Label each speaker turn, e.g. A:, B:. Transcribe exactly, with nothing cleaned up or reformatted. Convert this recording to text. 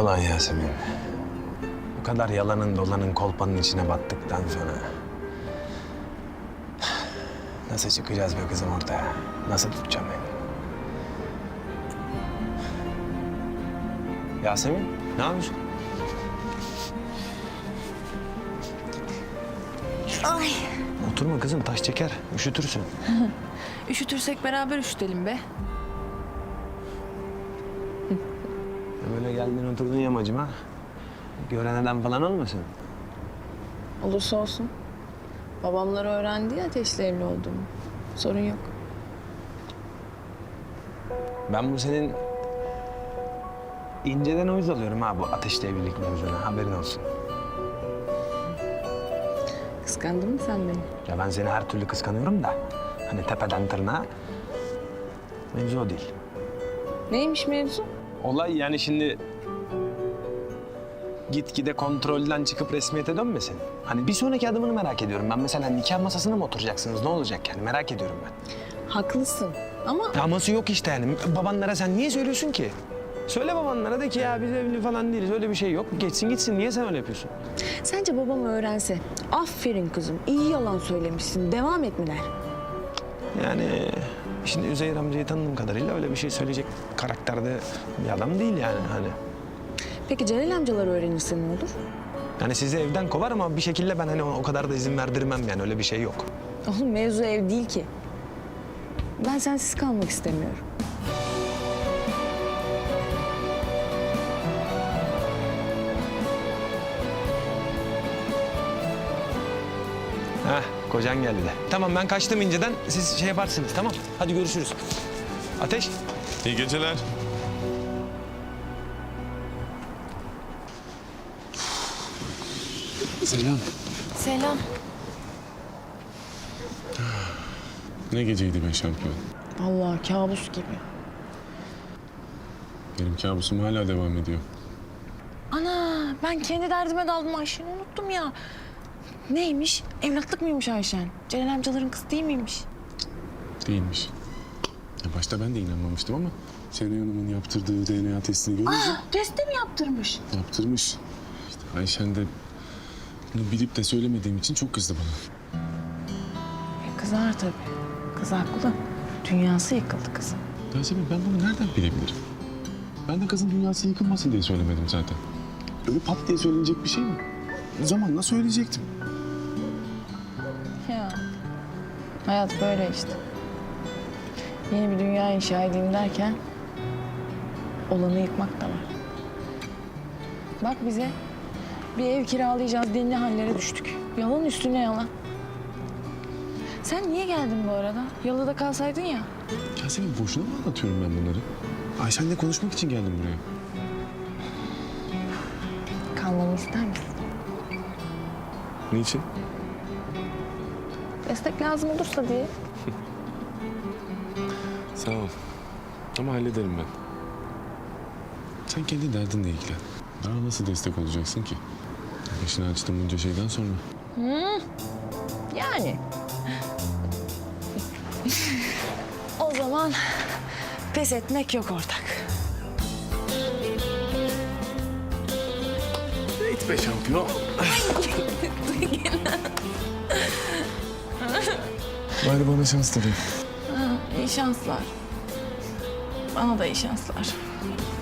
A: Ulan Yasemin. Bu kadar yalanın dolanın kolpanın içine battıktan sonra... Nasıl çıkacağız be kızım ortaya? Nasıl tutacağım beni? Yasemin, ne yapıyorsun?
B: Ay.
A: Oturma kızım, taş çeker. Üşütürsün.
B: Üşütürsek beraber üşütelim be.
A: Böyle geldin oturdun yamacıma. Gören adam falan olmasın?
B: Olursa olsun. Babamlar öğrendi ya Ateş'le evli olduğumu. Sorun yok.
A: Ben bu senin... inceden uyuz alıyorum ha bu ateşli evlilik mevzuna. Haberin olsun.
B: Kıskandın mı sen beni?
A: Ya ben seni her türlü kıskanıyorum da... hani tepeden tırnağa... mevzu o değil.
B: Neymiş mevzu?
A: Olay yani şimdi... gitgide kontrolden çıkıp resmiyete dönmesin. Hani bir sonraki adımını merak ediyorum. Ben mesela nikah masasına mı oturacaksınız? Ne olacak yani? Merak ediyorum ben.
B: Haklısın ama...
A: Aması yok işte yani. Babanlara sen niye söylüyorsun ki? Söyle babanlara de ki ya biz evli falan değiliz. Öyle bir şey yok. Geçsin gitsin. Niye sen öyle yapıyorsun?
B: Sence babam öğrense, aferin kızım, iyi yalan söylemişsin, devam et mi der?
A: Yani şimdi Üzeyir amcayı tanıdığım kadarıyla öyle bir şey söyleyecek karakterde bir adam değil yani hani.
B: Peki Celal amcalar öğrenirse ne olur?
A: Yani sizi evden kovar ama bir şekilde ben hani o kadar da izin verdirmem yani öyle bir şey yok.
B: Oğlum mevzu ev değil ki. Ben sensiz kalmak istemiyorum.
A: Heh, kocan geldi de. Tamam ben kaçtım inceden. Siz şey yaparsınız tamam. Hadi görüşürüz. Ateş.
C: İyi geceler.
A: Selam.
B: Selam.
C: Ne geceydi be şampiyon?
B: Vallahi kabus gibi.
C: Benim kabusum hala devam ediyor.
B: Ana ben kendi derdime daldım Ayşen'i unuttum ya. Neymiş? Evlatlık mıymış Ayşen? Celal amcaların kızı değil miymiş?
C: Değilmiş. Ya başta ben de inanmamıştım ama Şenay Hanım'ın yaptırdığı D N A testini görünce
B: Aa, testi mi yaptırmış?
C: yaptırmış. İşte Ayşen de bunu bilip de söylemediğim için çok kızdı bana.
B: E, kızar tabii. Kız haklı. Dünyası yıkıldı kızın.
C: Yasemin ben bunu nereden bilebilirim? Ben de kızın dünyası yıkılmasın diye söylemedim zaten. Öyle pat diye söylenecek bir şey mi? Zamanla söyleyecektim.
B: Ya hayat böyle işte. Yeni bir dünya inşa edeyim derken olanı yıkmak da var. Bak bize bir ev kiralayacağız denli hallere düştük. Yalan üstüne yalan. Sen niye geldin bu arada? Yalıda kalsaydın ya.
C: Yasemin boşuna mı anlatıyorum ben bunları? Ayşen'le konuşmak için geldim buraya.
B: Kalmamı ister misin?
C: Niçin?
B: Destek lazım olursa diye.
C: Sağ ol. Ama hallederim ben. Sen kendi derdinle ilgilen. Bana nasıl destek olacaksın ki? Başını açtım bunca şeyden sonra.
B: Yani. O zaman pes etmek yok ortak.
C: Git be şampiyon. Bari bana şans dileyin.
B: İyi şanslar. Bana da iyi şanslar.